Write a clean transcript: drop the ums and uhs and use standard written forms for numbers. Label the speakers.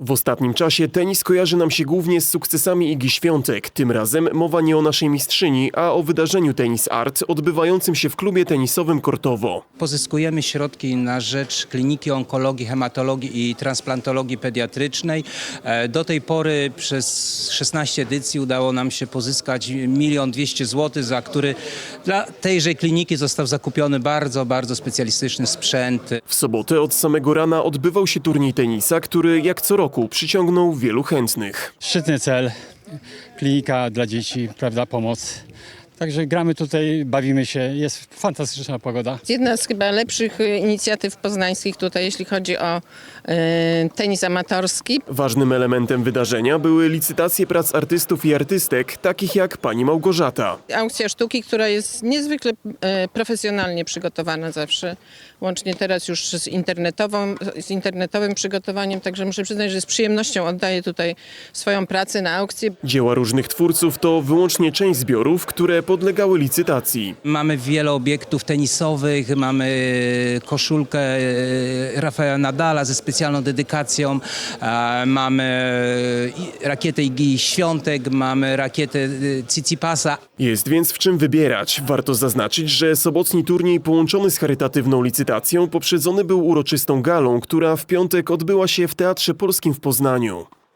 Speaker 1: W ostatnim czasie tenis kojarzy nam się głównie z sukcesami Igi Świątek. Tym razem mowa nie o naszej mistrzyni, a o wydarzeniu Tennis Art odbywającym się w klubie tenisowym Kortowo.
Speaker 2: Pozyskujemy środki na rzecz Kliniki Onkologii, Hematologii i Transplantologii Pediatrycznej. Do tej pory przez 16 edycji udało nam się pozyskać 1 200 000 zł, za który dla tejże kliniki został zakupiony bardzo specjalistyczny sprzęt.
Speaker 1: W sobotę od samego rana odbywał się turniej tenisa, który jak co roku przyciągnął wielu chętnych.
Speaker 3: Szczytny cel, klinika dla dzieci, prawda, pomoc. Także gramy tutaj, bawimy się, jest fantastyczna pogoda.
Speaker 4: Jedna z chyba lepszych inicjatyw poznańskich tutaj, jeśli chodzi o tenis amatorski.
Speaker 1: Ważnym elementem wydarzenia były licytacje prac artystów i artystek, takich jak pani Małgorzata.
Speaker 4: Aukcja sztuki, która jest niezwykle profesjonalnie przygotowana zawsze, łącznie teraz już z internetowym przygotowaniem, także muszę przyznać, że z przyjemnością oddaję tutaj swoją pracę na aukcję.
Speaker 1: Dzieła różnych twórców to wyłącznie część zbiorów, które podlegały licytacji.
Speaker 2: Mamy wiele obiektów tenisowych, mamy koszulkę Rafaela Nadala ze specjalną dedykacją, mamy rakietę Igi Świątek, mamy rakietę Tsitsipasa.
Speaker 1: Jest więc w czym wybierać. Warto zaznaczyć, że sobotni turniej połączony z charytatywną licytacją poprzedzony był uroczystą galą, która w piątek odbyła się w Teatrze Polskim w Poznaniu.